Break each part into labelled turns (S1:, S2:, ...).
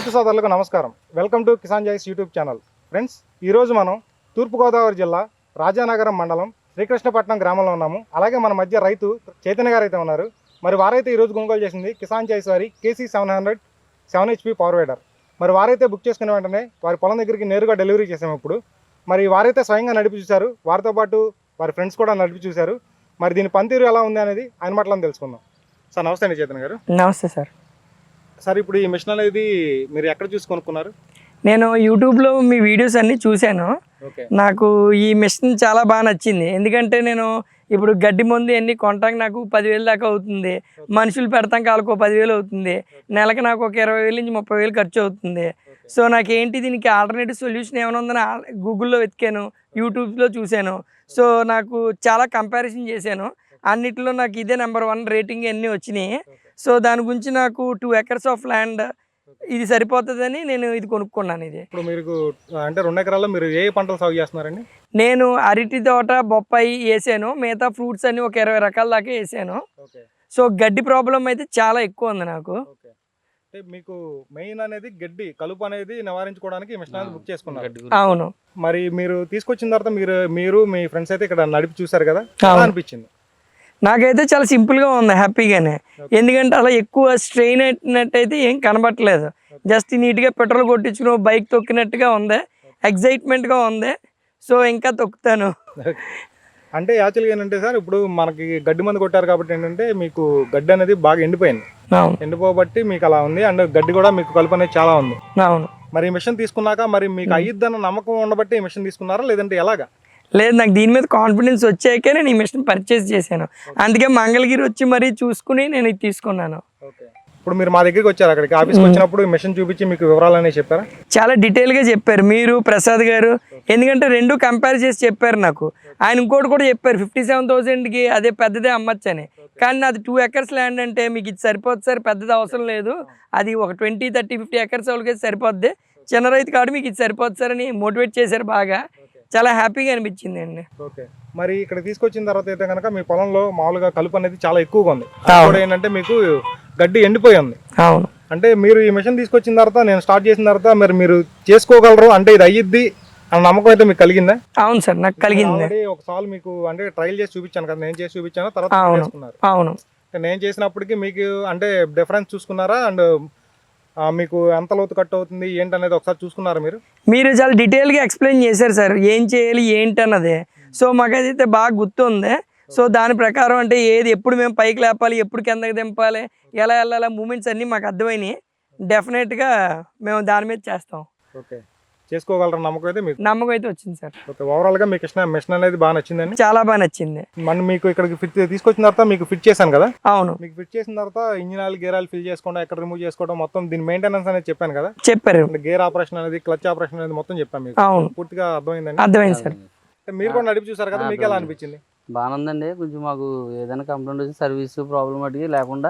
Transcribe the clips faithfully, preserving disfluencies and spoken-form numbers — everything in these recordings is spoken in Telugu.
S1: రైతు సోదరులకు నమస్కారం. వెల్కమ్ టు కిసాన్ జాయిస్ యూట్యూబ్ ఛానల్. ఫ్రెండ్స్, ఈరోజు మనం తూర్పుగోదావరి జిల్లా రాజానగరం మండలం శ్రీకృష్ణపట్నం గ్రామంలో ఉన్నాము. అలాగే మన మధ్య రైతు చైతన్య గారు అయితే ఉన్నారు. మరి వారైతే ఈరోజు కొనుగోలు చేసింది కిసాన్ జాయిస్ వారి KC seven hundred seven HP power weeder. మరి వారైతే బుక్ చేసుకునే వెంటనే వారి పొలం దగ్గరికి నేరుగా డెలివరీ చేసాము. ఇప్పుడు మరి వారైతే స్వయంగా నడిపి చూశారు, వారితో పాటు వారి ఫ్రెండ్స్ కూడా నడిపి చూశారు. మరి దీని పనితీరు ఎలా ఉంది అనేది ఆయన మాటలను తెలుసుకుందాం. సార్ నమస్తే అండి చైతన్య గారు.
S2: నమస్తే సార్.
S1: సార్ ఇప్పుడు ఈ మిషన్ అనేది మీరు ఎక్కడ చూసి కొనుక్కున్నారు?
S2: నేను యూట్యూబ్లో మీ వీడియోస్ అన్నీ చూశాను. నాకు ఈ మిషన్ చాలా బాగా నచ్చింది. ఎందుకంటే నేను ఇప్పుడు గడ్డి మందు అన్ని కొనటానికి నాకు పదివేలు దాకా అవుతుంది. మనుషులు పెడతాం కాలకు పదివేలు అవుతుంది. నెలకు నాకు ఒక ఇరవై వేలు నుంచి ముప్పై వేలు ఖర్చు అవుతుంది. సో నాకేంటి దీనికి ఆల్టర్నేటివ్ సొల్యూషన్ ఏమైనా ఉందని గూగుల్లో వెతికాను, యూట్యూబ్లో చూశాను. సో నాకు చాలా కంపారిజన్ చేశాను. అన్నిటిలో నాకు ఇదే నెంబర్ వన్ రేటింగ్ అన్నీ వచ్చినాయి. సో దాని గురించి నాకు టూ ఎకర్స్ ఆఫ్ ల్యాండ్ ఇది సరిపోతుందని నేను ఇది కొనుక్కున్నాను. ఇది
S1: ఇప్పుడు మీరు అంటే రెండు ఎకరాల్లో మీరు ఏ పంటలు సాగు చేస్తున్నారండి?
S2: నేను అరటి తోట, బొప్పాయి వేసాను. మిగతా ఫ్రూట్స్ అన్ని ఒక ఇరవై రకాల దాకా వేసాను. సో గడ్డి ప్రాబ్లం అయితే చాలా ఎక్కువ ఉంది నాకు.
S1: అంటే మీకు మెయిన్ అనేది గడ్డి కలుపు అనేది నివారించుకోవడానికి ఈ మిషన్ అనేది బుక్ చేసుకున్నారు.
S2: అవును.
S1: మరి మీరు తీసుకొచ్చిన తర్వాత మీరు మీరు మీ ఫ్రెండ్స్ అయితే ఇక్కడ నడిపి చూసారు కదా, అనిపించింది?
S2: నాకైతే చాలా సింపుల్గా ఉంది, హ్యాపీగానే. ఎందుకంటే అలా ఎక్కువ స్ట్రెయిన్ అయినట్టయితే ఏం కనబట్టలేదు. జస్ట్ నీట్గా పెట్రోల్ కొట్టించుకుని బైక్ తొక్కినట్టుగా ఉంది, ఎగ్జైట్మెంట్గా ఉంది. సో ఇంకా తొక్కుతాను.
S1: అంటే యాక్చువల్గా ఏంటంటే సార్, ఇప్పుడు మనకి గడ్డి మందు కొట్టారు కాబట్టి ఏంటంటే మీకు గడ్డి అనేది బాగా ఎండిపోయింది. ఎండిపోబట్టి మీకు అలా ఉంది. అండ్ గడ్డి కూడా మీకు కలుపు అనేది చాలా ఉంది.
S2: అవును.
S1: మరి ఈ మిషన్ తీసుకున్నాక మరి మీకు అయ్యిద్దన్న నమ్మకం ఉండబట్టి ఈ మిషన్ తీసుకున్నారా, లేదంటే ఎలాగా?
S2: లేదు, నాకు దీని మీద కాన్ఫిడెన్స్ వచ్చాకే నేను ఈ మిషన్ పర్చేస్ చేశాను. అందుకే మంగళగిరి వచ్చి మరీ చూసుకుని నేను ఇది తీసుకున్నాను.
S1: ఇప్పుడు మీరు మా దగ్గరికి వచ్చారు, అక్కడికి ఆఫీస్కి వచ్చినప్పుడు ఈ మిషన్ చూపించి మీకు వివరాలు అనేవి చెప్పారా?
S2: చాలా డీటెయిల్గా చెప్పారు మీరు, ప్రసాద్ గారు. ఎందుకంటే రెండు కంపేర్ చేసి చెప్పారు నాకు. ఆయన ఇంకోటి కూడా చెప్పారు, ఫిఫ్టీ సెవెన్ థౌసండ్కి అదే పెద్దదే అమ్మచ్చు అని. కానీ నాది టూ ఎకర్స్ ల్యాండ్ అంటే మీకు ఇది సరిపోద్ది సార్, పెద్దది అవసరం లేదు. అది ఒక ట్వంటీ థర్టీ ఫిఫ్టీ ఎకర్స్ వాళ్ళకి సరిపోద్ది. చిన్న రైతు కాదు, మీకు ఇది సరిపోద్ది సార్ అని మోటివేట్ చేశారు బాగా. చాలా హ్యాపీగా అనిపించింది అండి.
S1: ఓకే. మరి ఇక్కడ తీసుకొచ్చిన తర్వాత అయితే కనుక మీ పొలంలో మామూలుగా కలుపు అనేది చాలా ఎక్కువగా ఉంది. కూడా ఏంటంటే మీకు గడ్డి ఎండిపోయి ఉంది.
S2: అవును.
S1: అంటే మీరు ఈ మిషన్ తీసుకొచ్చిన తర్వాత, నేను స్టార్ట్ చేసిన తర్వాత మరి మీరు చేసుకోగలరు, అంటే ఇది అయ్యిద్ది అన్న నమ్మకం అయితే మీకు కలిగిందా?
S2: అవును సార్, నాకు కలిగింది.
S1: ఒకసారి మీకు అంటే ట్రయల్ చేసి చూపించాను కదా, నేను చేసి చూపించాను తర్వాత చేసుకున్నారు.
S2: అవును.
S1: నేను చేసినప్పటికీ మీకు అంటే డిఫరెన్స్ చూసుకున్నారా? అండ్ మీకు ఎంత లోతు కట్ అవుతుంది ఏంటనేది ఒకసారి చూసుకున్నారా మీరు?
S2: మీరు చాలా డీటెయిల్గా ఎక్స్ప్లెయిన్ చేశారు సార్, ఏం చేయాలి ఏంటి అన్నది. సో మాకైతే బాగా గుర్తుంది. సో దాని ప్రకారం అంటే ఏది ఎప్పుడు మేము పైకి లేపాలి, ఎప్పుడు కిందకి దింపాలి, ఎలా వెళ్ళాలి, మూమెంట్స్ అన్నీ మాకు అర్థమైనాయి. డెఫినెట్గా మేము దాని మీద చేస్తాం.
S1: ఓకే. చేసుకోగలరు నమ్మకం అయితే మీకు?
S2: నమ్మకం అయితే వచ్చింది సార్.
S1: ఓకే. ఓవరాల్ గా మీకు ఇష్టం మిషన్ అనేది బాగా నచ్చిందండి?
S2: చాలా బాగా నచ్చింది.
S1: మనం మీకు ఇక్కడికి ఫిట్ తీసుకొచ్చిన తర్వాత మీకు ఫిట్ చేశాను కదా?
S2: అవును.
S1: మీకు ఫిట్ చేసిన తర్వాత engine oil, gear oil fill చేసుకోవడం, ఎక్కడ రిమూవ్ చేసుకోవడం, మొత్తం దీని మెయింటెనెన్స్ అనేది చెప్పాను కదా? చెప్పారు. గేర్ ఆపరేషన్ అనేది, క్లచ్ ఆపరేషన్ అనేది మొత్తం చెప్పాను మీకు. అవును. పూర్తిగా అర్థమైందండి?
S2: అర్థమైంది సార్.
S1: మీరు కూడా నడిపి చూసారు కదా, మీకు ఎలా అనిపించింది?
S3: బాగానే ఉందండి. కొంచెం మాకు ఏదైనా కంప్లైంట్ వచ్చి సర్వీస్ ప్రాబ్లం అడిగి లేకుండా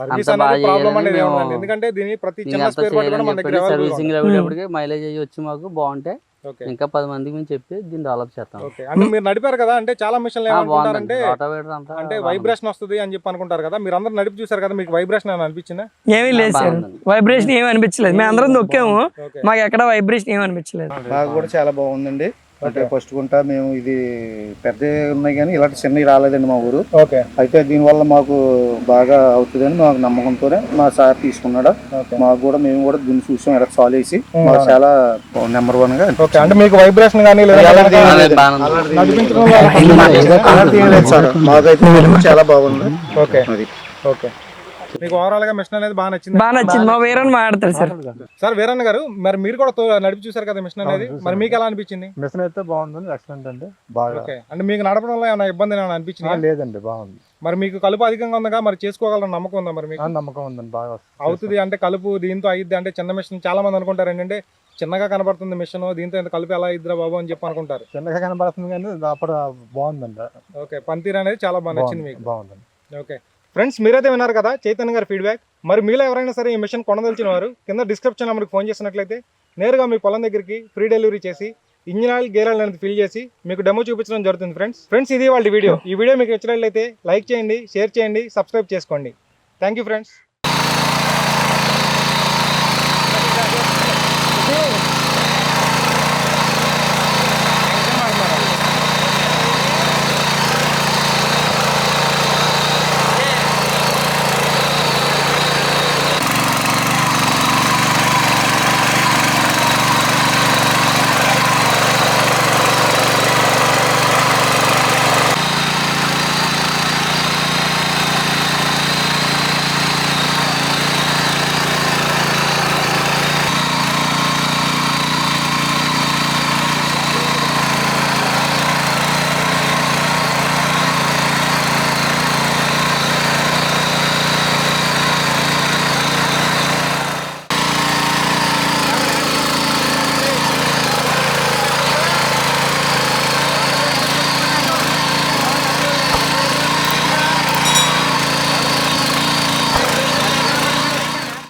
S1: ఎందుకంటే దీని ప్రతి
S3: సర్వీసింగ్ అయ్యేటప్పటికి మైలేజ్ అయ్యి వచ్చి మాకు బాగుంటే ఇంకా పది మందికి మేము చెప్పి దీన్ని డెవలప్ చేస్తాం.
S1: అంటే మీరు నడిపారు కదా, అంటే చాలా మిషన్లు ఏమనుకుంటారంటే అంటే వైబ్రేషన్ వస్తుంది అని చెప్పి అనుకుంటారు కదా, మీరు అందరూ నడిపి చూసారు కదా, మీకు వైబ్రేషన్ ఏమైనా అనిపించిందా?
S2: ఏమీ లేదు సార్, వైబ్రేషన్ ఏమి అనిపించలేదు. మేము అందరం నొక్కాము, మాకు ఎక్కడ వైబ్రేషన్ ఏమి అనిపించలేదు.
S4: నాకు కూడా చాలా బాగుందండి. అంటే ఫస్ట్ గుంట మేము ఇది పెద్ద ఉన్నాయి కానీ ఇలాంటి చిన్నవి రాలేదండి మా ఊరు. అయితే దీనివల్ల మాకు బాగా అవుతుందని మాకు నమ్మకంతోనే మా సార్ తీసుకున్నాడు. మాకు కూడా మేము కూడా దీన్ని చూసాం, ఇలా సాల్వ్ చేసి మాకు చాలా నెంబర్ వన్ గా.
S1: అంటే మీకు వైబ్రేషన్ కానీ
S4: మాకైతే చాలా బాగుంది.
S1: ఓకే. ఓకే. మీకు ఓవరాల్ గా మిషన్ అనేది బాగా నచ్చింది?
S2: బాగా నచ్చింది. మా వీరన్న మాట్లాడతారు సార్.
S1: సార్ వీరన్న గారు, మరి మీరు కూడా నడిపి చూసారు కదా మిషన్ అనేది, మరి మీకు ఎలా అనిపించింది?
S5: మిషన్ అయితే బాగుంది, ఎక్సలెంట్ అండి. బాగా.
S1: ఓకే. అంటే మీకు నడపడం వల్ల ఏమైనా ఇబ్బంది ఏమైనా అనిపించింది?
S5: లేదండి, బాగుంది.
S1: మరి మీకు కలుపు అధికంగా ఉందా, మరి చేసుకోగలరు నమ్మకం ఉందా? మరి మీకు
S5: నమ్మకం ఉందండి, బాగా
S1: అవుతుంది. అంటే కలుపు దీంతో అయ్యిద్ది అంటే చిన్న మిషన్ చాలా మంది అనుకుంటారు ఏంటంటే చిన్నగా కనబడుతుంది మిషన్, దీంతో ఎంత కలుపు ఎలా ఇద్దరా బాబు అని చెప్పి అనుకుంటారు.
S5: చిన్నగా కనబడుతుంది కానీ అప్పుడు బాగుందండి.
S1: ఓకే. పనితీరు అనేది చాలా బాగా నచ్చింది మీకు?
S5: బాగుందండి.
S1: ఓకే ఫ్రెండ్స్, మీరైతే విన్నారు కదా చైతన్య గారి ఫీడ్బ్యాక్. మరి మీలో ఎవరైనా సరే ఈ మిషన్ కొనదలిచిన వారు కింద డిస్క్రిప్షన్ నెంబర్కి ఫోన్ చేసినట్లయితే నేరుగా మీ పొలం దగ్గరికి ఫ్రీ డెలివరీ చేసి ఇంజిన్ ఆయిల్, గేర్ ఆయిల్ అనేది ఫిల్ చేసి మీకు డెమో చూపించడం జరుగుతుంది. ఫ్రెండ్స్ ఫ్రెండ్స్ ఇది వాళ్ళ వీడియో. ఈ వీడియో మీకు నచ్చినట్లయితే లైక్ చేయండి, షేర్ చేయండి, సబ్స్క్రైబ్ చేసుకోండి. Thank you friends. ఇది